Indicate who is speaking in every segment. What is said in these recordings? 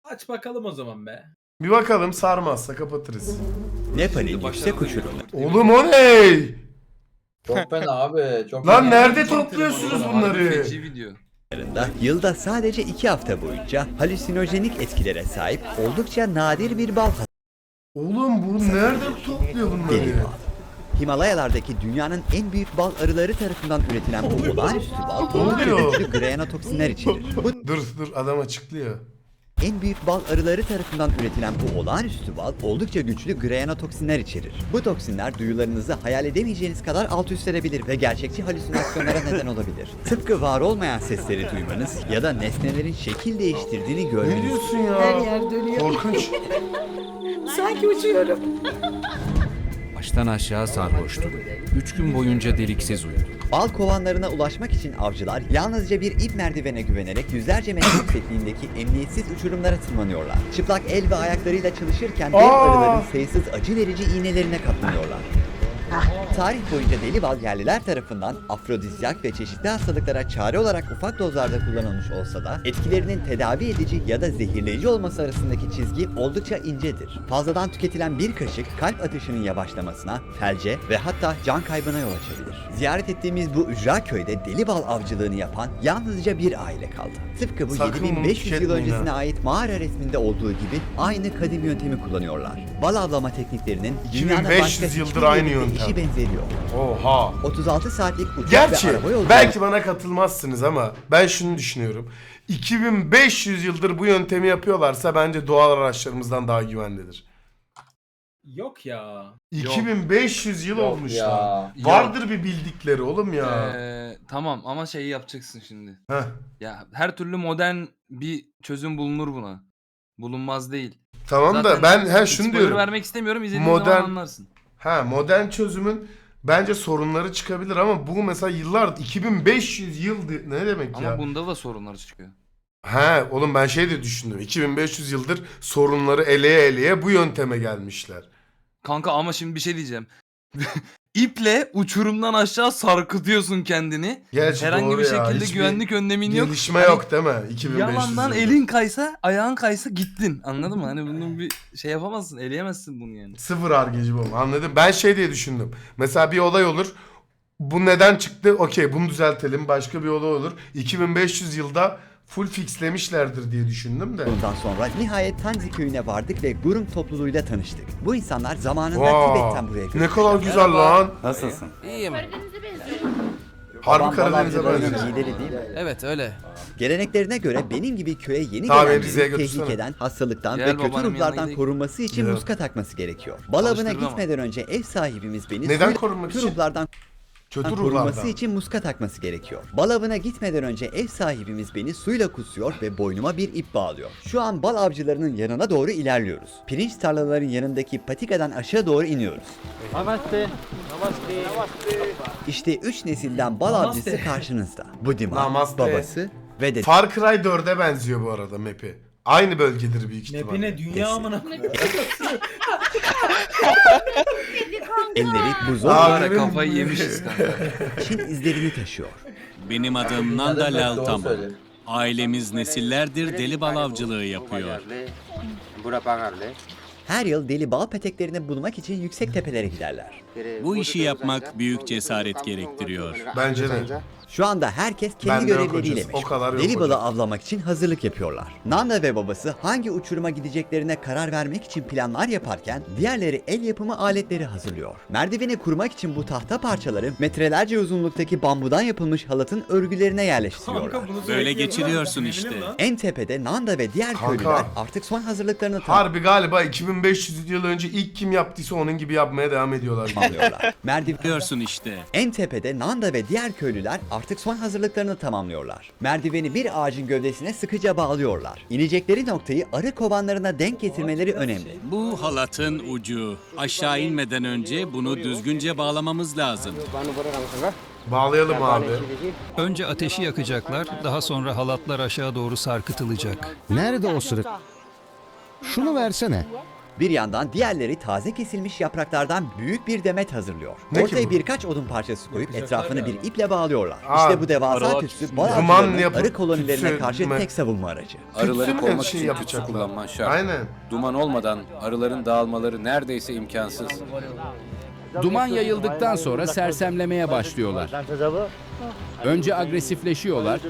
Speaker 1: Aç bakalım o zaman be.
Speaker 2: Bir bakalım, sarmazsa kapatırız.
Speaker 3: Nepal'in yüksek uçurumu.
Speaker 2: Oğlum o ne?
Speaker 4: Çok fena abi. Çok
Speaker 2: Lan
Speaker 4: fena.
Speaker 2: nerede topluyorsunuz bunları?
Speaker 5: Feci video.
Speaker 3: Yılda sadece 2 hafta boyunca halüsinojenik etkilere sahip oldukça nadir bir bal
Speaker 2: Oğlum bu nerede topluyor bunları?
Speaker 3: deli bal. Himalayalardaki dünyanın en büyük bal arıları tarafından üretilen bu olağanüstü bal oldukça
Speaker 2: oluyor?
Speaker 3: güçlü grayanotoksinler içerir. Bu
Speaker 2: Dur adam açıklıyor.
Speaker 3: en büyük bal arıları tarafından üretilen bu olağanüstü bal oldukça güçlü grayanotoksinler içerir. Bu toksinler duyularınızı hayal edemeyeceğiniz kadar alt üst edebilir ve gerçekçi halüsinasyonlara neden olabilir. Tıpkı var olmayan sesleri duymanız ya da nesnelerin şekil değiştirdiğini
Speaker 2: Ne
Speaker 3: görmeniz.
Speaker 2: diyorsun ya?
Speaker 6: Her yer dönüyor.
Speaker 2: Korkunç.
Speaker 6: Sanki uçuyorum.
Speaker 7: Baştan aşağı sarhoştu. 3 gün boyunca deliksiz uyudu.
Speaker 3: Bal kovanlarına ulaşmak için avcılar yalnızca bir ip merdivene güvenerek yüzlerce metre yüksekliğindeki emniyetsiz uçurumlara tırmanıyorlar. Çıplak el ve ayaklarıyla çalışırken dev arıların sayısız acı verici iğnelerine katlanıyorlar. Tarih boyunca deli bal yerliler tarafından afrodizyak ve çeşitli hastalıklara çare olarak ufak dozlarda kullanılmış olsa da etkilerinin tedavi edici ya da zehirleyici olması arasındaki çizgi oldukça incedir. Fazladan tüketilen bir kaşık kalp atışının yavaşlamasına, felce ve hatta can kaybına yol açabilir. Ziyaret ettiğimiz bu ücra köyde deli bal avcılığını yapan yalnızca bir aile kaldı. Tıpkı bu
Speaker 2: Sakın bunu
Speaker 3: 7500 yıl
Speaker 2: tüketmeyin
Speaker 3: öncesine
Speaker 2: ha.
Speaker 3: ait mağara resminde olduğu gibi aynı kadim yöntemi kullanıyorlar. Bal avlama tekniklerinin dünyanın
Speaker 2: 2500
Speaker 3: başka hiçbir
Speaker 2: yıldır aynı
Speaker 3: yerinde
Speaker 2: yöntem.
Speaker 3: eşi benzeri yok.
Speaker 2: Oha.
Speaker 3: 36 saatlik uçak
Speaker 2: Gerçi
Speaker 3: ve araba yolculuğu
Speaker 2: belki bana katılmazsınız ama ben şunu düşünüyorum. 2500 yıldır bu yöntemi yapıyorlarsa bence doğal araçlarımızdan daha güvenlidir.
Speaker 1: Yok ya.
Speaker 2: 2500 yıl
Speaker 4: Yok
Speaker 2: olmuş
Speaker 4: ya.
Speaker 2: lan. Vardır bir bildikleri oğlum ya.
Speaker 5: Tamam ama şeyi yapacaksın şimdi.
Speaker 2: Heh.
Speaker 5: Ya her türlü modern bir çözüm bulunur buna. Bulunmaz değil.
Speaker 2: Tamam da
Speaker 5: Zaten
Speaker 2: ben şunu
Speaker 5: spoiler
Speaker 2: diyorum.
Speaker 5: vermek istemiyorum. İzlediğin
Speaker 2: Modern-
Speaker 5: zaman anlarsın.
Speaker 2: Modern çözümün bence sorunları çıkabilir ama bu mesela yıllar 2500 yıl ne demek
Speaker 5: Ama
Speaker 2: ya?
Speaker 5: bunda da sorunlar çıkıyor.
Speaker 2: Oğlum ben şey de düşündüm. 2500 yıldır sorunları eleye eleye bu yönteme gelmişler.
Speaker 5: Kanka ama şimdi bir şey diyeceğim. İple uçurumdan aşağı sarkıtıyorsun kendini.
Speaker 2: Gerçi
Speaker 5: Herhangi
Speaker 2: doğru
Speaker 5: bir
Speaker 2: ya.
Speaker 5: şekilde
Speaker 2: Hiçbir
Speaker 5: güvenlik önlemin yok.
Speaker 2: gelişme
Speaker 5: Hani
Speaker 2: yok değil mi? 2500
Speaker 5: yalandan
Speaker 2: yıldır.
Speaker 5: elin kaysa, ayağın kaysa gittin. Anladın mı? Hani bunun bir şey yapamazsın, eleyemezsin bunu yani.
Speaker 2: Sıfır argeci bu. Anladım. Ben şey diye düşündüm. Mesela bir olay olur. Bu neden çıktı? Okey bunu düzeltelim. Başka bir olay olur. 2500 yılda full fixlemişlerdir diye düşündüm de.
Speaker 3: Bundan sonra nihayet Tanzi köyüne vardık ve Gurung topluluğuyla tanıştık. Bu insanlar zamanında
Speaker 2: Vaa,
Speaker 3: Tibet'ten buraya göçmüşler.
Speaker 2: ne kadar güzel lan.
Speaker 8: Nasılsın?
Speaker 9: İyiyim.
Speaker 2: Harbi
Speaker 3: Babam
Speaker 2: Karadeniz'e
Speaker 3: Balavcılarının
Speaker 2: benziyor.
Speaker 3: lideri değil mi?
Speaker 9: Evet öyle.
Speaker 3: Geleneklerine göre benim gibi köye yeni
Speaker 2: Tamam,
Speaker 3: gelen
Speaker 2: Rize'ye
Speaker 3: birinin
Speaker 2: götürsene.
Speaker 3: tehlikeden, hastalıktan
Speaker 5: Gel
Speaker 3: ve kötü
Speaker 5: babanın yanına
Speaker 3: ruhlardan
Speaker 5: gidelim.
Speaker 3: korunması için
Speaker 2: Evet.
Speaker 3: muska takması gerekiyor. Bal avına
Speaker 5: Çalıştırır ama.
Speaker 3: gitmeden önce ev sahibimiz beni
Speaker 2: Neden
Speaker 3: suyla
Speaker 2: korunmak
Speaker 3: kötü
Speaker 2: için?
Speaker 3: ruhlardan
Speaker 2: Kötü
Speaker 3: korunması
Speaker 2: ruhlardan.
Speaker 3: için muska takması gerekiyor. Bal avına gitmeden önce ev sahibimiz beni suyla kutsuyor ve boynuma bir ip bağlıyor. Şu an bal avcılarının yanına doğru ilerliyoruz. Pirinç tarlaların yanındaki patikadan aşağı doğru iniyoruz. İşte 3 nesilden bal
Speaker 1: Namaste.
Speaker 3: avcısı karşınızda. Bu Dima,
Speaker 2: Namaste.
Speaker 3: babası ve de
Speaker 2: Far Cry 4'e benziyor bu arada map'i. Aynı bölgedir büyük ihtimalle.
Speaker 1: Mapine dünya amına koyayım.
Speaker 3: elleri bu
Speaker 2: Abi,
Speaker 3: zor
Speaker 5: Böyle kafayı yemişiz kanka.
Speaker 3: için izlerini taşıyor.
Speaker 8: Benim adım Nanda
Speaker 4: Evet, doğru
Speaker 8: Laltama.
Speaker 4: söylüyor.
Speaker 8: Ailemiz nesillerdir deli bal avcılığı yapıyor.
Speaker 3: Her yıl deli bal peteklerini bulmak için yüksek tepelere giderler.
Speaker 8: Bu işi yapmak büyük cesaret gerektiriyor.
Speaker 2: Bence de.
Speaker 3: Şu anda herkes kendi
Speaker 2: Bende yok
Speaker 3: görevleriyle
Speaker 2: hocası, o kadar
Speaker 3: meşgul.
Speaker 2: yok
Speaker 3: Deli balı
Speaker 2: hocam.
Speaker 3: avlamak için hazırlık yapıyorlar. Nanda ve babası hangi uçuruma gideceklerine karar vermek için planlar yaparken diğerleri el yapımı aletleri hazırlıyor. Merdiveni kurmak için bu tahta parçaları metrelerce uzunluktaki bambudan yapılmış halatın örgülerine yerleştiriyorlar.
Speaker 1: Kanka bunu
Speaker 8: Böyle
Speaker 1: sürekli
Speaker 8: geçiriyorsun
Speaker 1: yapıyorlar.
Speaker 8: işte.
Speaker 1: Ne lan?
Speaker 3: En tepede Nanda ve diğer
Speaker 2: Kanka.
Speaker 3: köylüler artık son hazırlıklarını
Speaker 2: Harbi galiba 2500 yıl önce ilk kim yaptıysa onun gibi yapmaya devam ediyorlar.
Speaker 3: tamamlıyorlar.
Speaker 8: Biliyorsun işte.
Speaker 3: En tepede Nanda ve diğer köylüler artık son hazırlıklarını tamamlıyorlar. Merdiveni bir ağacın gövdesine sıkıca bağlıyorlar. İnecekleri noktayı arı kovanlarına denk getirmeleri önemli.
Speaker 8: Bu halatın ucu. Aşağı inmeden önce bunu düzgünce bağlamamız lazım.
Speaker 2: Bağlayalım abi.
Speaker 7: Önce ateşi yakacaklar, daha sonra halatlar aşağı doğru sarkıtılacak.
Speaker 10: Nerede o sırık? Şunu versene.
Speaker 3: Bir yandan diğerleri taze kesilmiş yapraklardan büyük bir demet hazırlıyor.
Speaker 2: Ne ki
Speaker 3: Ortaya
Speaker 2: bu?
Speaker 3: birkaç odun parçası koyup
Speaker 1: Yapacaklar
Speaker 3: etrafını bir
Speaker 1: ya.
Speaker 3: iple bağlıyorlar.
Speaker 2: Aa,
Speaker 3: İşte bu devasa
Speaker 9: arılar
Speaker 3: tütsü bal
Speaker 2: Duman
Speaker 3: avcılarının
Speaker 2: yapıp
Speaker 3: arı kolonilerine
Speaker 2: tütsü
Speaker 3: karşı
Speaker 2: mü?
Speaker 3: tek savunma aracı.
Speaker 10: Arıları
Speaker 2: Tütsü mü
Speaker 10: kovmak
Speaker 2: şey
Speaker 10: için tütsü
Speaker 2: yapacaklar?
Speaker 10: kullanman şart.
Speaker 2: Aynen.
Speaker 10: Duman olmadan arıların dağılmaları neredeyse imkansız.
Speaker 7: Duman yayıldıktan sonra sersemlemeye başlıyorlar. Önce agresifleşiyorlar,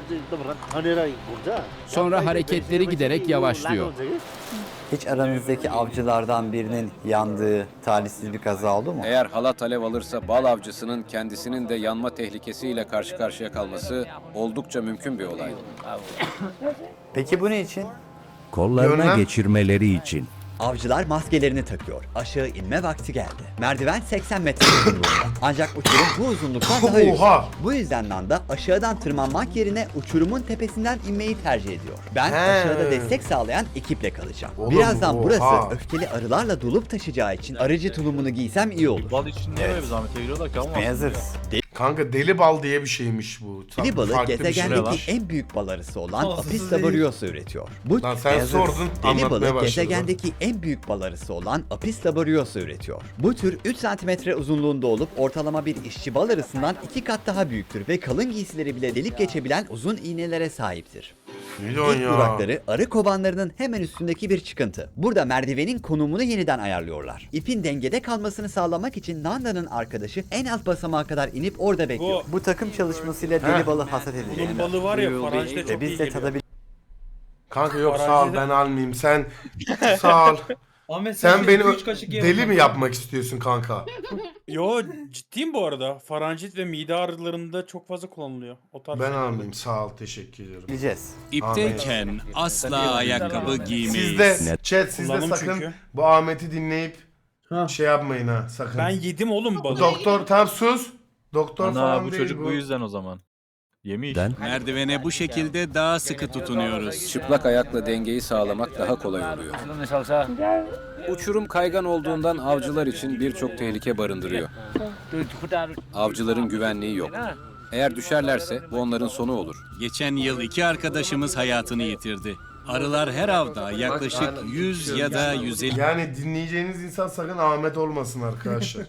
Speaker 7: sonra hareketleri giderek yavaşlıyor.
Speaker 3: Hiç aranızdaki avcılardan birinin yandığı talihsiz bir kaza oldu mu?
Speaker 10: Eğer halat alev alırsa bal avcısının kendisinin de yanma tehlikesiyle karşı karşıya kalması oldukça mümkün bir olay.
Speaker 3: Peki bu ne için?
Speaker 2: Kollarına Görmem.
Speaker 9: geçirmeleri için.
Speaker 3: Avcılar maskelerini takıyor. Aşağı inme vakti geldi. Merdiven 80 metre uzunluğunda. Ancak uçurum bu uzunluktan daha yüksek.
Speaker 2: Oha!
Speaker 3: Bu yüzden Nanda aşağıdan tırmanmak yerine uçurumun tepesinden inmeyi tercih ediyor. Ben
Speaker 2: He.
Speaker 3: aşağıda destek sağlayan ekiple kalacağım.
Speaker 2: Oğlum,
Speaker 3: Birazdan
Speaker 2: oha.
Speaker 3: burası öfkeli arılarla dolup taşacağı için arıcı tulumunu giysem iyi olur.
Speaker 9: Bal için niye böyle bir zahmete giriyorlar ki ama?
Speaker 3: Hazırız.
Speaker 2: Kanka deli bal diye bir şeymiş bu.
Speaker 3: Deli balı
Speaker 2: Farklı bir şey.
Speaker 3: gezegendeki en büyük bal arısı olan
Speaker 1: Ağzı
Speaker 3: Apis
Speaker 1: değil.
Speaker 3: laboriosa üretiyor. Bu
Speaker 2: Lan sen sordun,
Speaker 3: Deli
Speaker 2: anlatmaya
Speaker 3: balı
Speaker 2: başladın.
Speaker 3: gezegendeki en büyük bal arısı olan Apis laboriosa üretiyor. Bu tür 3 cm uzunluğunda olup ortalama bir işçi bal arısından 2 kat daha büyüktür ve kalın giysileri bile delip geçebilen uzun iğnelere sahiptir.
Speaker 2: Ne diyorsun
Speaker 3: İlk
Speaker 2: ya?
Speaker 3: durakları arı kovanlarının hemen üstündeki bir çıkıntı. Burada merdivenin konumunu yeniden ayarlıyorlar. İpin dengede kalmasını sağlamak için Nanda'nın arkadaşı en alt basamağa kadar inip orada bekliyor. Bu takım çalışmasıyla deli balı hasat edecek.
Speaker 9: Bunun balı var ya Farancı'da çok iyi geliyor.
Speaker 2: Kanka yok sağ ol ben almayayım. Sen sağ ol.
Speaker 1: Ahmet
Speaker 2: Sen
Speaker 1: şimdi
Speaker 2: beni
Speaker 1: 2-3 kaşık ye
Speaker 2: deli
Speaker 1: bakalım.
Speaker 2: mi yapmak istiyorsun kanka?
Speaker 9: Yo ciddiyim bu arada. Faranjit ve mide ağrılarında çok fazla kullanılıyor. O tarz
Speaker 2: Ben
Speaker 9: şeylerde.
Speaker 2: almayayım sağ ol teşekkür ediyorum.
Speaker 3: Bileceğiz.
Speaker 8: İpteyken asla ayakkabı giymeyiz.
Speaker 2: Siz de chat siz de
Speaker 9: Kullandım
Speaker 2: sakın
Speaker 9: çünkü.
Speaker 2: bu Ahmet'i dinleyip
Speaker 1: Ha.
Speaker 2: şey yapmayın ha sakın.
Speaker 9: Ben yedim oğlum balı.
Speaker 2: Doktor tam sus. Doktor falan
Speaker 9: bu
Speaker 2: değil
Speaker 9: çocuk
Speaker 2: bu.
Speaker 9: bu yüzden o zaman. Yemiş.
Speaker 8: Merdivene bu şekilde daha sıkı tutunuyoruz.
Speaker 10: Çıplak ayakla dengeyi sağlamak daha kolay oluyor. Uçurum kaygan olduğundan avcılar için birçok tehlike barındırıyor. Avcıların güvenliği yok. Eğer düşerlerse bu onların sonu olur.
Speaker 8: Geçen yıl 2 arkadaşımız hayatını yitirdi. Arılar her avda yaklaşık 100 ya da 150
Speaker 2: Yani dinleyeceğiniz insan sakın Ahmet olmasın arkadaşlar.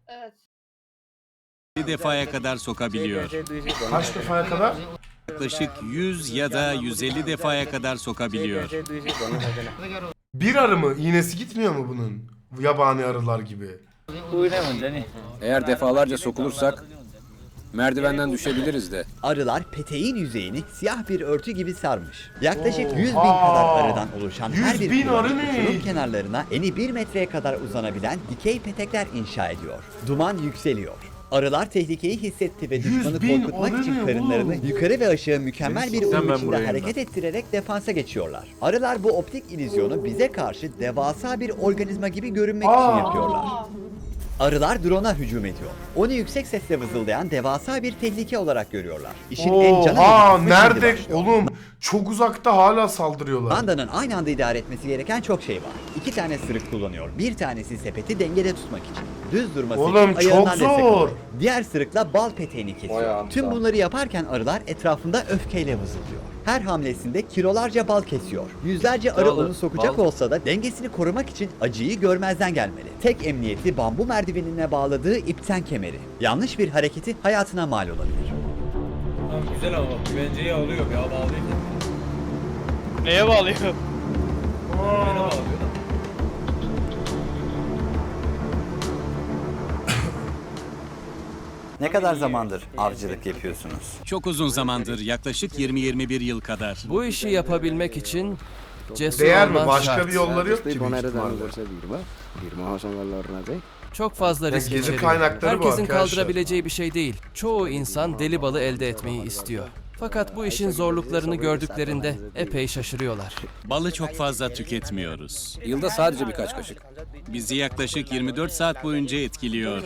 Speaker 8: defaya kadar sokabiliyor.
Speaker 2: Kaç defaya kadar?
Speaker 8: Yaklaşık 100 ya da 150 defaya kadar sokabiliyor.
Speaker 2: Bir arı mı? İğnesi gitmiyor mu bunun? Yabani arılar gibi.
Speaker 10: Eğer defalarca sokulursak merdivenden düşebiliriz de.
Speaker 3: Arılar peteğin yüzeyini siyah bir örtü gibi sarmış. Yaklaşık 100 bin kadar arıdan oluşan her
Speaker 2: 100
Speaker 3: bir
Speaker 2: bin
Speaker 3: kulak,
Speaker 2: arı ne?
Speaker 3: uçurum kenarlarına eni 1 metreye kadar uzanabilen dikey petekler inşa ediyor. Duman yükseliyor. Arılar tehlikeyi hissetti ve
Speaker 2: 100
Speaker 3: düşmanı
Speaker 2: bin
Speaker 3: korkutmak
Speaker 2: arı
Speaker 3: için
Speaker 2: ne
Speaker 3: karınlarını
Speaker 2: oğlum?
Speaker 3: yukarı ve aşağı mükemmel bir uyum
Speaker 9: ben
Speaker 3: içinde
Speaker 9: buraya
Speaker 3: hareket ettirerek defansa geçiyorlar. Arılar bu optik illüzyonu bize karşı devasa bir organizma gibi görünmek için yapıyorlar. Arılar drone'a hücum ediyor. Onu yüksek sesle vızıldayan devasa bir tehlike olarak görüyorlar. İşin en can
Speaker 2: Oha
Speaker 3: alıcı kısmı şimdi
Speaker 2: nerede
Speaker 3: başlıyor.
Speaker 2: oğlum? Çok uzakta hala saldırıyorlar.
Speaker 3: Banda'nın aynı anda idare etmesi gereken çok şey var. 2 tane sırık kullanıyor. Bir tanesi sepeti dengede tutmak için. Düz durması
Speaker 2: Oğlum,
Speaker 3: için ayağından
Speaker 2: çok
Speaker 3: destek
Speaker 2: zor.
Speaker 3: alıyor. Diğer sırıkla bal peteğini
Speaker 4: Vay
Speaker 3: kesiyor.
Speaker 4: anasını.
Speaker 3: Tüm bunları yaparken arılar etrafında öfkeyle vızıldıyor. Her hamlesinde kilolarca bal kesiyor. Yüzlerce arı onu sokacak olsa da dengesini korumak için acıyı görmezden gelmeli. Tek emniyeti bambu merdivenine bağladığı ipten kemeri. Yanlış bir hareketi hayatına mal olabilir.
Speaker 1: Tamam güzel ama bak güvenceyi alıyor ya bağlıyor.
Speaker 9: Neye bağlıyor?
Speaker 1: Güvene bağlıyor da.
Speaker 3: Ne kadar zamandır avcılık yapıyorsunuz?
Speaker 8: Çok uzun zamandır, yaklaşık 20-21 yıl kadar.
Speaker 11: Bu işi yapabilmek için cesur
Speaker 2: Değer mi?
Speaker 11: olman
Speaker 2: Başka
Speaker 11: şart.
Speaker 2: bir yolları yok ki büyük ihtimalle.
Speaker 11: Çok fazla
Speaker 2: Ya
Speaker 11: risk
Speaker 2: gezi
Speaker 11: içeriyor.
Speaker 2: kaynakları bu
Speaker 11: Herkesin
Speaker 2: arkadaşlar.
Speaker 11: kaldırabileceği bir şey değil. Çoğu insan deli balı elde etmeyi istiyor. Fakat bu işin zorluklarını gördüklerinde epey şaşırıyorlar.
Speaker 8: Balı çok fazla tüketmiyoruz.
Speaker 10: Yılda sadece birkaç kaşık.
Speaker 8: Bizi yaklaşık 24 saat boyunca etkiliyor.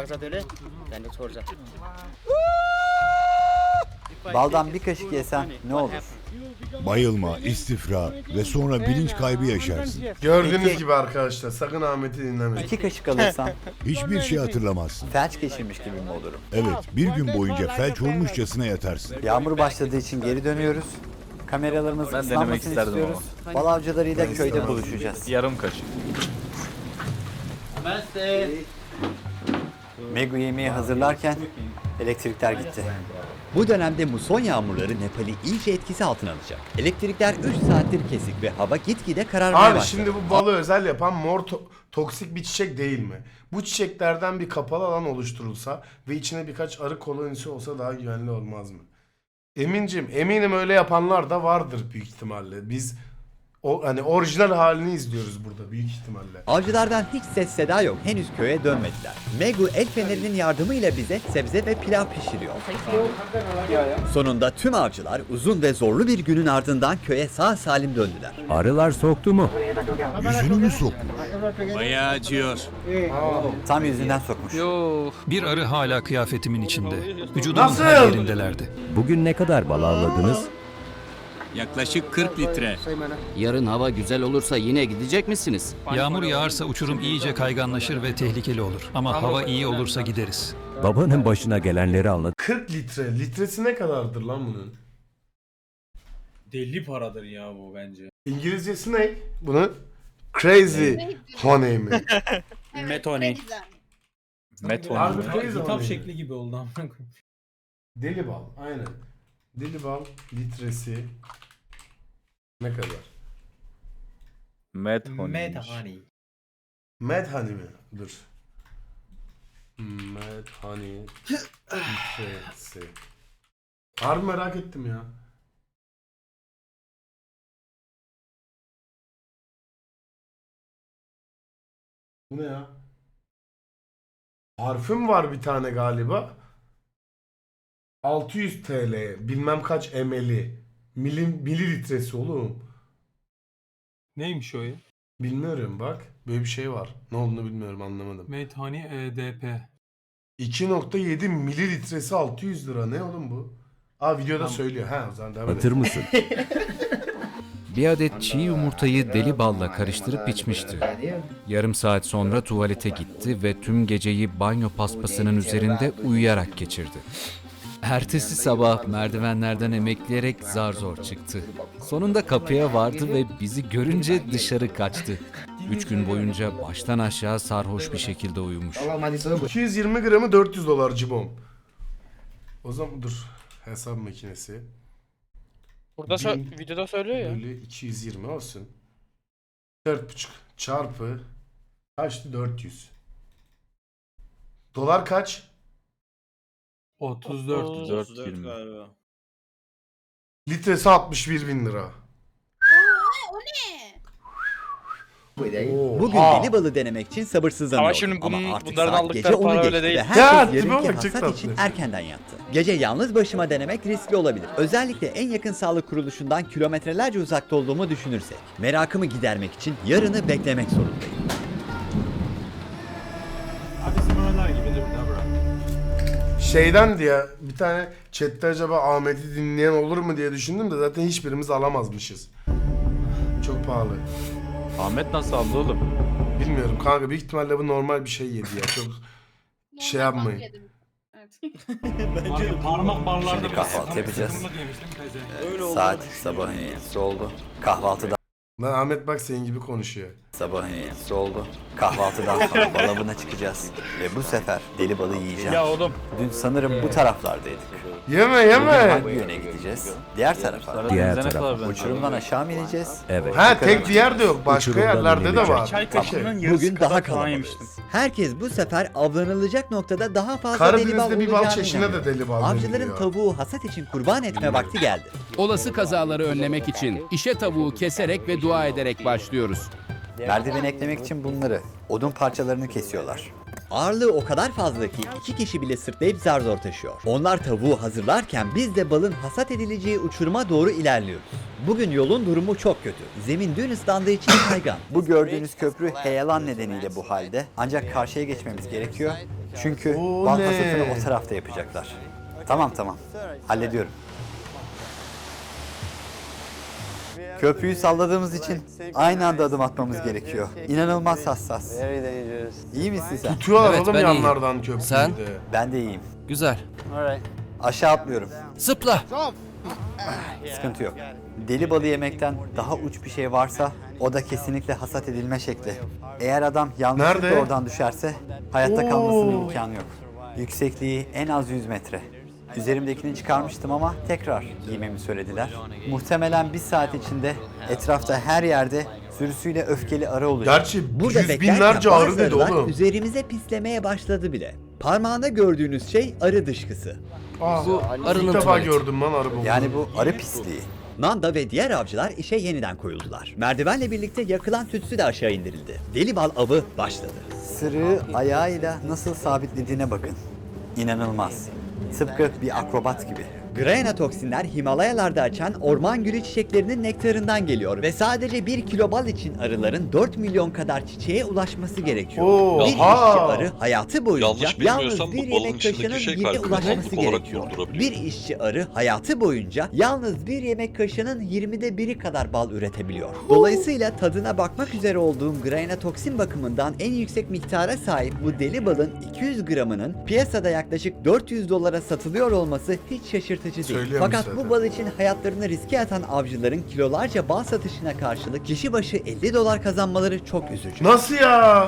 Speaker 3: Baldan bir kaşık yesen ne olur?
Speaker 9: Bayılma, istifra ve sonra bilinç kaybı yaşarsın.
Speaker 2: Gördüğünüz
Speaker 3: Peki.
Speaker 2: gibi arkadaşlar sakın Ahmet'i dinlemeyin.
Speaker 3: 2 kaşık alırsan
Speaker 9: Hiçbir şey hatırlamazsın.
Speaker 3: felç geçirmiş gibi mi olurum?
Speaker 9: Evet, bir gün boyunca felç olmuşçasına yatarsın.
Speaker 3: Yağmur başladığı için geri dönüyoruz. Kameralarımız ıslanmasını istiyoruz. Bal avcılarıyla köyde buluşacağız.
Speaker 9: Yarım kaşık.
Speaker 3: Megu yemeği hazırlarken elektrikler gitti. Bu dönemde muson yağmurları Nepal'i iyice etkisi altına alacak. Elektrikler 3 saattir kesik ve hava gitgide kararmaya
Speaker 2: Abi
Speaker 3: başladı.
Speaker 2: şimdi bu balı özel yapan mor toksik bir çiçek değil mi? Bu çiçeklerden bir kapalı alan oluşturulsa ve içine birkaç arı kolonisi olsa daha güvenli olmaz mı? Eminim öyle yapanlar da vardır büyük ihtimalle. Biz hani orijinal halini izliyoruz burada büyük ihtimalle.
Speaker 3: Avcılardan hiç ses seda yok. Henüz köye dönmediler. Megu el fenerinin yardımıyla bize sebze ve pilav pişiriyor. Sonunda tüm avcılar uzun ve zorlu bir günün ardından köye sağ salim döndüler.
Speaker 7: Arılar soktu mu?
Speaker 8: Bayağı acıyor.
Speaker 3: Tam yüzünden sokmuş.
Speaker 7: Bir arı hala kıyafetimin içinde. Vücudumun
Speaker 2: Nasıl?
Speaker 7: her yerindelerdi. Bugün ne kadar bal avladınız?
Speaker 8: Yaklaşık 40 litre.
Speaker 11: Yarın hava güzel olursa yine gidecek misiniz?
Speaker 7: Yağmur yağarsa uçurum iyice kayganlaşır ve tehlikeli olur. Ama hava iyi olursa gideriz.
Speaker 12: Babanın başına gelenleri anlat.
Speaker 2: 40 litre. Litresi ne kadardır lan bunun?
Speaker 1: Deli paradır ya bu bence.
Speaker 2: İngilizcesi ne? Bunu Crazy Honey mi?
Speaker 9: Metone.
Speaker 2: Harbi
Speaker 1: Ya,
Speaker 2: crazy
Speaker 1: kitap
Speaker 2: honey.
Speaker 1: şekli gibi oldu amına koyayım.
Speaker 2: Deli bal. Aynen. Deli bal litresi ne kadar?
Speaker 1: Mad Honey.
Speaker 2: Mad Honey mi? Dur. Mad Honey litresi. Harbi merak ettim ya. Bu ne ya? Parfüm var bir tane galiba. 600 TL. Bilmem kaç ml'i. Mililitresi oğlum.
Speaker 1: Neymiş o ya?
Speaker 2: Bilmiyorum bak. Böyle bir şey var. Ne olduğunu bilmiyorum, anlamadım.
Speaker 1: Mad Honey EDP.
Speaker 2: 2.7 mililitresi 600 lira. Ne oğlum bu? Aa videoda söylüyor. Ha o zaman devam
Speaker 12: Hatır
Speaker 2: edelim.
Speaker 12: mısın?
Speaker 7: Bir adet çiğ yumurtayı deli balla karıştırıp içmişti. Yarım saat sonra tuvalete gitti ve tüm geceyi banyo paspasının üzerinde uyuyarak geçirdi. Ertesi sabah merdivenlerden emekleyerek zar zor çıktı. Sonunda kapıya vardı ve bizi görünce dışarı kaçtı. 3 gün boyunca baştan aşağı sarhoş bir şekilde uyumuş.
Speaker 2: 220 gramı 400 dolar cibom. O zaman dur. Hesap makinesi.
Speaker 9: Burada
Speaker 2: Bin
Speaker 9: videoda söylüyor ya.
Speaker 2: Bölü 220 olsun. 4,5 çarpı kaçtı? 400. Dolar kaç?
Speaker 1: 34 galiba.
Speaker 2: Litresi 61 bin lira.
Speaker 3: Bugün
Speaker 2: Oha.
Speaker 3: deli balı denemek için sabırsızlanıyordum.
Speaker 9: Ama şimdi
Speaker 3: Ama artık
Speaker 9: bunların
Speaker 3: saat
Speaker 9: aldıkları
Speaker 3: gece 10'u
Speaker 9: para öyle
Speaker 3: geçti
Speaker 9: değil.
Speaker 3: ve
Speaker 2: Ya,
Speaker 3: herkes
Speaker 2: tipe
Speaker 3: yarınki
Speaker 2: bak, çok
Speaker 3: hasat için
Speaker 2: tatlı.
Speaker 3: erkenden yattı. Gece yalnız başıma denemek riskli olabilir. Özellikle en yakın sağlık kuruluşundan kilometrelerce uzakta olduğumu düşünürsek. Merakımı gidermek için yarını beklemek zorundayım.
Speaker 2: Şeyden diye bir tane chatte acaba Ahmet'i dinleyen olur mu diye düşündüm de zaten hiçbirimiz alamazmışız. Çok pahalı.
Speaker 9: Ahmet nasıl aldı oğlum?
Speaker 2: Bilmiyorum kanka, büyük ihtimalle bu normal bir şey yedi ya. Çok şey yapmayın.
Speaker 1: Parmak barlarda
Speaker 3: Şimdi kahvaltı yapacağız. Saat sabahın 7'si oldu. Kahvaltıdan
Speaker 2: Lan Ahmet bak senin gibi konuşuyor.
Speaker 3: sabahın 7'si oldu. Kahvaltıdan sonra bal avına çıkacağız. Ve bu sefer deli balı yiyeceğim.
Speaker 9: Ya oğlum.
Speaker 3: Dün sanırım bu taraflardaydık.
Speaker 2: Yeme
Speaker 3: Bugün
Speaker 2: yeme.
Speaker 3: hangi yöne gideceğiz? Diğer tarafa.
Speaker 12: Diğer taraf.
Speaker 3: Uçurumdan aşağı mı ineceğiz?
Speaker 12: Evet.
Speaker 2: Ha tek bir yerde yok. Başka
Speaker 12: Uçurumdan
Speaker 2: yerlerde de
Speaker 12: inecek.
Speaker 2: var.
Speaker 9: Çay
Speaker 2: Okey.
Speaker 9: kaşığının yarısı
Speaker 3: Bugün
Speaker 9: kadar
Speaker 3: daha
Speaker 9: falan yemiştim.
Speaker 3: kalabalığız. Herkes bu sefer avlanılacak noktada daha fazla deli bal
Speaker 2: Karadeniz'de bir bal
Speaker 3: olacağına
Speaker 2: çeşine
Speaker 3: inanıyor.
Speaker 2: de deli bal
Speaker 3: Avcıların
Speaker 2: deniliyor.
Speaker 3: tavuğu hasat için kurban etme vakti geldi.
Speaker 11: Olası kazaları önlemek için işe tavuğu keserek ve dua ederek başlıyoruz.
Speaker 3: Merdiven eklemek için bunları, odun parçalarını kesiyorlar. Ağırlığı o kadar fazla ki 2 kişi bile sırtlayıp zar zor taşıyor. Onlar tavuğu hazırlarken biz de balın hasat edileceği uçuruma doğru ilerliyoruz. Bugün yolun durumu çok kötü. Zemin dün ıslandığı için kaygan. Bu gördüğünüz köprü heyelan nedeniyle bu halde. Ancak karşıya geçmemiz gerekiyor. Çünkü bal
Speaker 2: Oley.
Speaker 3: hasatını o tarafta yapacaklar. Tamam. Hallediyorum. Köprüyü salladığımız için aynı anda adım atmamız gerekiyor. İnanılmaz hassas. İyi misin sen?
Speaker 2: Tutuyorlar
Speaker 11: Evet,
Speaker 2: oğlum
Speaker 11: ben iyiyim.
Speaker 2: yanlardan köprüyü
Speaker 11: Sen?
Speaker 2: de.
Speaker 3: Ben de iyiyim.
Speaker 11: Güzel.
Speaker 3: Aşağı atlıyorum.
Speaker 11: Zıpla.
Speaker 3: Sıkıntı yok. Deli balı yemekten daha uç bir şey varsa o da kesinlikle hasat edilme şekli. Eğer adam yanlışlıkla
Speaker 2: Nerede?
Speaker 3: oradan düşerse hayatta
Speaker 2: Oo.
Speaker 3: kalmasının imkanı yok. Yüksekliği en az 100 metre. Üzerimdekini çıkarmıştım ama tekrar giymemi söylediler. Muhtemelen bir saat içinde etrafta her yerde sürüsüyle öfkeli arı olacak.
Speaker 2: Gerçi
Speaker 3: Burada
Speaker 2: yüz
Speaker 3: beklerken
Speaker 2: binlerce arı
Speaker 3: bazı
Speaker 2: dedi
Speaker 3: arılar
Speaker 2: oğlum.
Speaker 3: üzerimize pislemeye başladı bile. Parmağında gördüğünüz şey arı dışkısı.
Speaker 11: Bu arının
Speaker 2: İlk defa
Speaker 11: tuvaleti.
Speaker 2: gördüm lan arı bu.
Speaker 3: Yani bu arı pisliği. Nanda ve diğer avcılar işe yeniden koyuldular. Merdivenle birlikte yakılan tütsü de aşağı indirildi. Deli bal avı başladı. Sırığı ayağıyla nasıl sabitlediğine bakın. İnanılmaz. Tıpkı bir akrobat gibi. Grana toksinler Himalayalarda açan orman gülü çiçeklerinin nektarından geliyor ve sadece 1 kilo bal için arıların 4 milyon kadar çiçeğe ulaşması gerekiyor. Bir işçi arı hayatı boyunca yalnız bir yemek kaşığının 20'ye ulaşması gerekiyor. Bir işçi arı hayatı boyunca yalnız bir yemek kaşığının 20'de 1'i kadar bal üretebiliyor. Dolayısıyla tadına bakmak üzere olduğum grana toksin bakımından en yüksek miktara sahip bu deli balın 200 gramının piyasada yaklaşık $400 satılıyor olması hiç şaşırtıcı değil.
Speaker 2: Söylüyormuş
Speaker 3: Fakat
Speaker 2: zaten.
Speaker 3: bu bal için hayatlarını riske atan avcıların kilolarca bal satışına karşılık kişi başı $50 kazanmaları çok üzücü.
Speaker 2: Nasıl ya?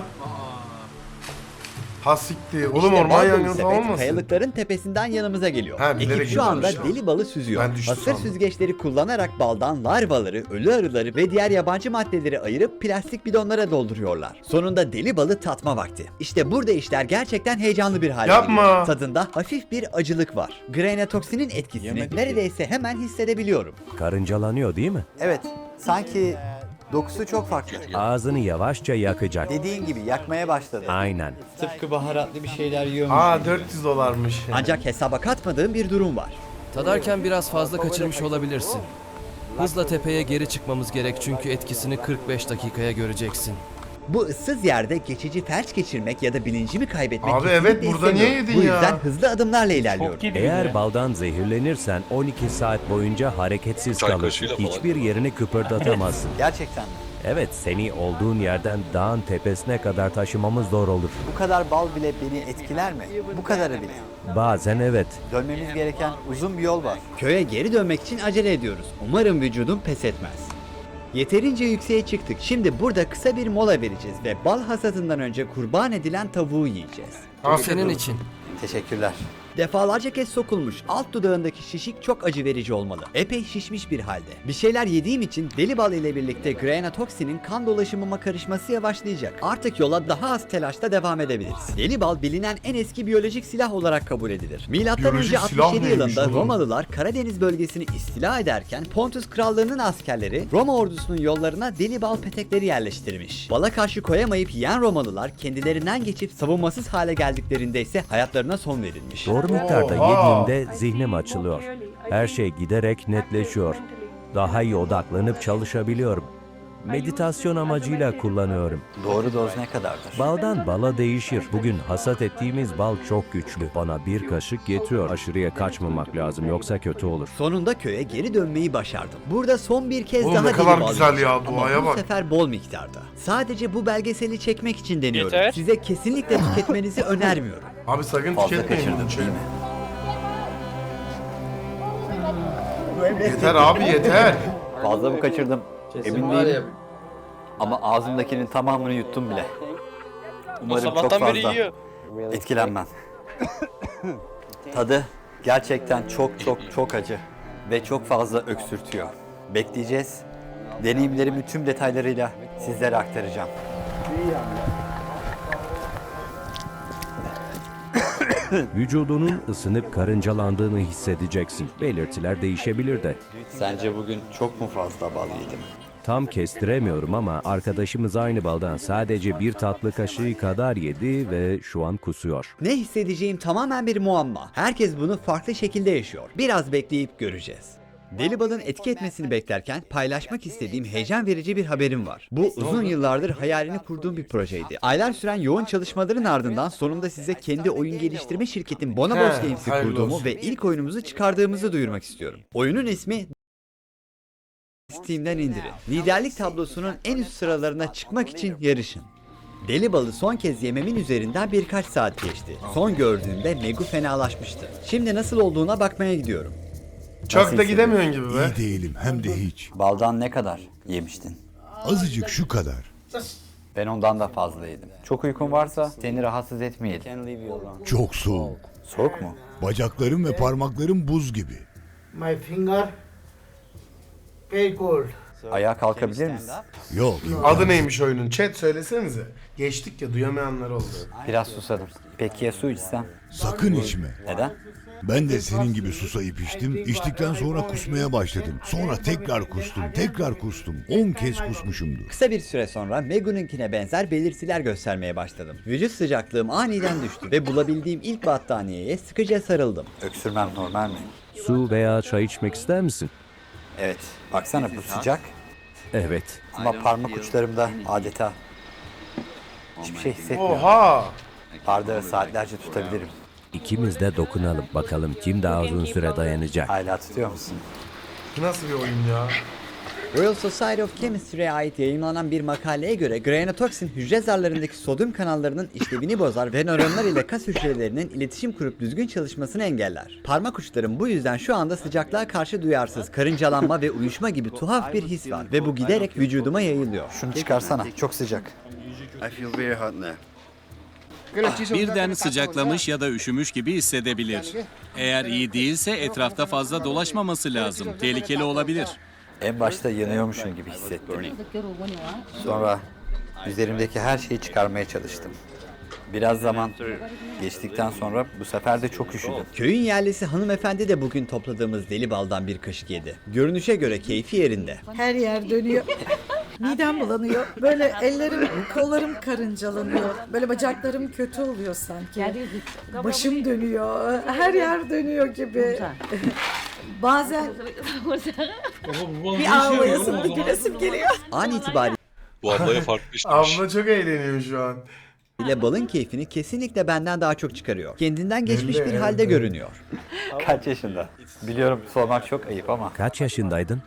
Speaker 2: Ha siktir. Oğlum
Speaker 3: İşte
Speaker 2: orman
Speaker 3: bal dolu
Speaker 2: yangını
Speaker 3: sepet
Speaker 2: falan olmasın?
Speaker 3: kayalıkların tepesinden yanımıza geliyor.
Speaker 2: Ha, bilerek
Speaker 3: Ekip şu anda
Speaker 2: yapıyormuş.
Speaker 3: deli balı süzüyor.
Speaker 2: Ben düştü
Speaker 3: Hasır
Speaker 2: sandım.
Speaker 3: süzgeçleri kullanarak baldan larvaları, ölü arıları ve diğer yabancı maddeleri ayırıp plastik bidonlara dolduruyorlar. Sonunda deli balı tatma vakti. İşte burada işler gerçekten heyecanlı bir hale
Speaker 2: Yapma.
Speaker 3: geliyor. Tadında hafif bir acılık var. Granatoksinin etkisini neredeyse hemen hissedebiliyorum.
Speaker 12: Karıncalanıyor değil mi?
Speaker 3: Evet, sanki dokusu çok farklı.
Speaker 12: Ağzını yavaşça yakacak.
Speaker 3: Dediğin gibi yakmaya başladı.
Speaker 12: Aynen.
Speaker 3: Tıpkı baharatlı bir şeyler yiyormuş.
Speaker 2: Aa $400'mış.
Speaker 3: Ancak hesaba katmadığım bir durum var.
Speaker 11: Tadarken biraz fazla kaçırmış olabilirsin. Hızla tepeye geri çıkmamız gerek çünkü etkisini 45 dakikaya göreceksin.
Speaker 3: Bu ıssız yerde geçici felç geçirmek ya da bilincimi kaybetmek
Speaker 2: Abi
Speaker 3: kesinlikle
Speaker 2: evet, burada niye
Speaker 3: istemiyorum.
Speaker 2: yedin
Speaker 3: Bu
Speaker 2: ya?
Speaker 3: yüzden hızlı adımlarla ilerliyorum.
Speaker 12: Eğer baldan zehirlenirsen 12 saat boyunca hareketsiz kalırsın. Hiçbir yerini kıpırdatamazsın.
Speaker 3: Gerçekten mi?
Speaker 12: Evet, seni olduğun yerden dağın tepesine kadar taşımamız zor olur.
Speaker 3: Bu kadar bal bile beni etkiler mi? Bu kadarı bile.
Speaker 12: Bazen evet.
Speaker 3: Dönmemiz gereken uzun bir yol var. Köye geri dönmek için acele ediyoruz. Umarım vücudum pes etmez. Yeterince yükseğe çıktık. Şimdi burada kısa bir mola vereceğiz ve bal hasadından önce kurban edilen tavuğu yiyeceğiz.
Speaker 11: Bu senin için.
Speaker 3: Teşekkürler. Defalarca kez sokulmuş alt dudağındaki şişik çok acı verici olmalı. Epey şişmiş bir halde. Bir şeyler yediğim için deli bal ile birlikte granatoksinin kan dolaşımıma karışması yavaşlayacak. Artık yola daha az telaşla devam edebiliriz. Deli bal bilinen en eski biyolojik silah olarak kabul edilir. Milattan
Speaker 2: Biyolojik
Speaker 3: önce
Speaker 2: silah
Speaker 3: 67
Speaker 2: neymiş
Speaker 3: yılında
Speaker 2: oğlum?
Speaker 3: Romalılar Karadeniz bölgesini istila ederken Pontus Krallığı'nın askerleri Roma ordusunun yollarına deli bal petekleri yerleştirmiş. Bala karşı koyamayıp yiyen Romalılar kendilerinden geçip savunmasız hale geldiklerinde ise hayatlarına son verilmiş.
Speaker 12: Doğru miktarda
Speaker 2: Oha!
Speaker 12: yediğimde zihnim açılıyor. Her şey giderek netleşiyor. Daha iyi odaklanıp çalışabiliyorum. Meditasyon amacıyla kullanıyorum.
Speaker 3: Doğru doz ne kadardır?
Speaker 12: Baldan bala değişir. Bugün hasat ettiğimiz bal çok güçlü. Bana bir kaşık yetiyor. Aşırıya kaçmamak lazım yoksa kötü olur.
Speaker 3: Sonunda köye geri dönmeyi başardım. Burada son bir kez
Speaker 2: Oğlum
Speaker 3: daha
Speaker 2: ne
Speaker 3: deli
Speaker 2: kadar
Speaker 3: bal
Speaker 2: güzel
Speaker 3: yiyeceğim.
Speaker 2: ya,
Speaker 3: Ama
Speaker 2: duaya
Speaker 3: bu
Speaker 2: bak.
Speaker 3: sefer bol miktarda. Sadece bu belgeseli çekmek için deniyorum.
Speaker 9: Yeter.
Speaker 3: Size kesinlikle tüketmenizi önermiyorum.
Speaker 2: Abi sakın
Speaker 3: Fazla
Speaker 2: tüketmeyin
Speaker 3: kaçırdım
Speaker 2: bunu.
Speaker 3: değil mi?
Speaker 2: Yeter abi yeter.
Speaker 3: Fazla mı kaçırdım?
Speaker 4: Kesin
Speaker 3: Emin
Speaker 4: var
Speaker 3: değilim.
Speaker 4: ya.
Speaker 3: Ama ağzımdakinin tamamını yuttum bile. Umarım çok fazla etkilenmem. Tadı gerçekten çok acı ve çok fazla öksürtüyor. Bekleyeceğiz. Deneyimlerimi tüm detaylarıyla sizlere aktaracağım.
Speaker 12: Vücudunun ısınıp karıncalandığını hissedeceksin. Belirtiler değişebilir de.
Speaker 3: Sence bugün çok mu fazla bal yedim?
Speaker 12: Tam kestiremiyorum ama arkadaşımız aynı baldan sadece bir tatlı kaşığı kadar yedi ve şu an kusuyor.
Speaker 3: Ne hissedeceğim tamamen bir muamma. Herkes bunu farklı şekilde yaşıyor. Biraz bekleyip göreceğiz. Deli balın etki etmesini beklerken paylaşmak istediğim heyecan verici bir haberim var. Bu uzun yıllardır hayalini kurduğum bir projeydi. Aylar süren yoğun çalışmaların ardından sonunda size kendi oyun geliştirme şirketim Bonobos Games'i
Speaker 2: hayırlı
Speaker 3: kurduğumu
Speaker 2: olsun.
Speaker 3: ve ilk oyunumuzu çıkardığımızı duyurmak istiyorum. Oyunun ismi Steam'den indirin. Liderlik tablosunun en üst sıralarına çıkmak için yarışın. Deli balı son kez yememin üzerinden birkaç saat geçti. Son gördüğümde Megu fenalaşmıştı. Şimdi nasıl olduğuna bakmaya gidiyorum.
Speaker 2: Çok da gidemiyorsun gibi be.
Speaker 13: İyi değilim hem de hiç.
Speaker 3: Baldan ne kadar yemiştin?
Speaker 13: Azıcık şu kadar.
Speaker 3: Ben ondan da fazla yedim. Çok uykun varsa seni rahatsız etmeyelim.
Speaker 13: Çok soğuk.
Speaker 3: Soğuk mu?
Speaker 13: Bacaklarım ve parmaklarım buz gibi.
Speaker 6: My finger very cold.
Speaker 3: Ayağa kalkabilir misin?
Speaker 13: Yok.
Speaker 2: Adı neymiş oyunun? Chat söylesenize. Geçtik ya, duyamayanlar oldu.
Speaker 3: Biraz susadım. Peki ya su içsem?
Speaker 13: Sakın içme.
Speaker 3: Neden?
Speaker 13: Ben de senin gibi susayıp içtim. İçtikten sonra kusmaya başladım. Sonra tekrar kustum. Tekrar kustum. 10 kez kusmuşumdur.
Speaker 3: Kısa bir süre sonra Megu'nunkine benzer belirtiler göstermeye başladım. Vücut sıcaklığım aniden düştü ve bulabildiğim ilk battaniyeye sıkıca sarıldım. Öksürmem normal mi?
Speaker 12: Su veya çay içmek ister misin?
Speaker 3: Evet. Baksana bu sıcak.
Speaker 12: Evet.
Speaker 3: Ama parmak uçlarımda adeta hiçbir şey hissetmiyorum.
Speaker 2: Oha!
Speaker 3: Bardağı saatlerce tutabilirim.
Speaker 12: İkimiz de dokunalım bakalım kim daha uzun süre dayanacak.
Speaker 3: Hala tutuyor musun?
Speaker 2: Nasıl bir oyun ya?
Speaker 3: Royal Society of Chemistry'e ait yayınlanan bir makaleye göre granatoksin hücre zarlarındaki sodyum kanallarının işlevini bozar ve nöronlar ile kas hücrelerinin iletişim kurup düzgün çalışmasını engeller. Parmak uçlarım bu yüzden şu anda sıcaklığa karşı duyarsız, karıncalanma ve uyuşma gibi tuhaf bir his var ve bu giderek vücuduma yayılıyor. Şunu çıkarsana, çok sıcak.
Speaker 8: Birden sıcaklamış ya da üşümüş gibi hissedebilir. Eğer iyi değilse etrafta fazla dolaşmaması lazım. Tehlikeli olabilir.
Speaker 3: En başta yanıyormuşum gibi hissettim. Sonra üzerimdeki her şeyi çıkarmaya çalıştım. Biraz zaman geçtikten sonra bu sefer de çok üşüdüm. Köyün yerlisi hanımefendi de bugün topladığımız deli baldan bir kaşık yedi. Görünüşe göre keyfi yerinde.
Speaker 6: Her yer dönüyor. Midem bulanıyor. Böyle ellerim, kollarım karıncalanıyor. Böyle bacaklarım kötü oluyor sanki. Başım dönüyor. Her yer dönüyor gibi. Bazen bir ağlayasım, bir gülesim geliyor.
Speaker 3: An itibariyle
Speaker 1: Bu ablaya farklı işlemiş.
Speaker 2: Abla çok eğleniyor şu an.
Speaker 3: balın keyfini kesinlikle benden daha çok çıkarıyor. Kendinden geçmiş
Speaker 2: Belli,
Speaker 3: bir
Speaker 2: evet,
Speaker 3: halde
Speaker 2: evet.
Speaker 3: görünüyor. Kaç yaşında? Biliyorum sormak çok ayıp ama.
Speaker 12: Kaç yaşındaydın?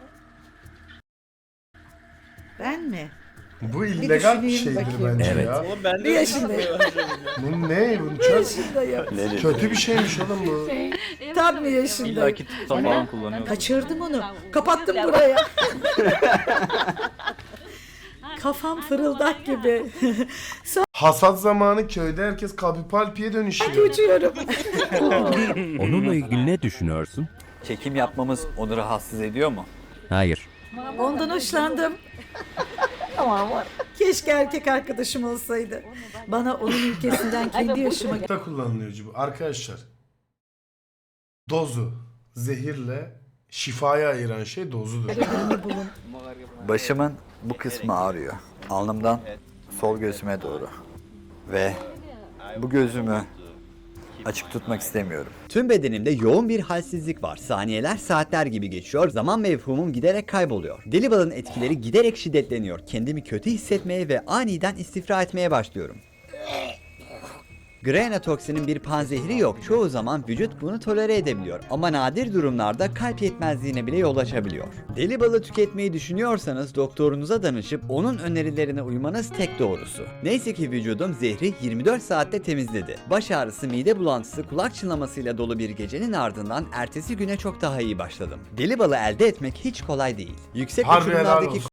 Speaker 6: Ben mi?
Speaker 2: Bu illegal bir
Speaker 6: düşüneyim
Speaker 2: şeydir
Speaker 6: bakayım.
Speaker 2: bence
Speaker 12: Evet.
Speaker 2: ya.
Speaker 1: Oğlum ben
Speaker 6: Bir
Speaker 1: de
Speaker 6: yaşındayım.
Speaker 2: Bu ne? Bu
Speaker 6: Bir
Speaker 2: çok
Speaker 6: yaşındayım.
Speaker 2: kötü bir şeymiş oğlum bu.
Speaker 6: Tam bir yaşındayım. Kaçırdım onu. Kapattım buraya. Kafam fırıldak gibi.
Speaker 2: Hasat zamanı köyde herkes kapipalpiye dönüşüyor.
Speaker 6: Uçuyorum.
Speaker 12: Onunla ilgili ne düşünüyorsun?
Speaker 3: Çekim yapmamız onu rahatsız ediyor mu?
Speaker 12: Hayır.
Speaker 6: Ondan hoşlandım. Keşke erkek arkadaşım olsaydı. Bana onun ülkesinden kendi yaşıma
Speaker 2: Da kullanılıyor bu. Arkadaşlar, dozu zehirle şifayı ayıran şey dozudur.
Speaker 6: geleni bulun.
Speaker 3: Başımın bu kısmı ağrıyor. Alnımdan sol gözüme doğru. Ve bu gözümü açık tutmak istemiyorum. Tüm bedenimde yoğun bir halsizlik var. Saniyeler saatler gibi geçiyor. Zaman mefhumum giderek kayboluyor. Deli balın etkileri giderek şiddetleniyor. Kendimi kötü hissetmeye ve aniden istifra etmeye başlıyorum. Granatoksinin bir panzehri yok. Çoğu zaman vücut bunu tolere edebiliyor. Ama nadir durumlarda kalp yetmezliğine bile yol açabiliyor. Deli balı tüketmeyi düşünüyorsanız doktorunuza danışıp onun önerilerine uymanız tek doğrusu. Neyse ki vücudum zehri 24 saatte temizledi. Baş ağrısı, mide bulantısı, kulak çınlamasıyla dolu bir gecenin ardından ertesi güne çok daha iyi başladım. Deli balı elde etmek hiç kolay değil. Yüksek
Speaker 2: Harbi helal
Speaker 3: uçurumlardaki
Speaker 2: olsun.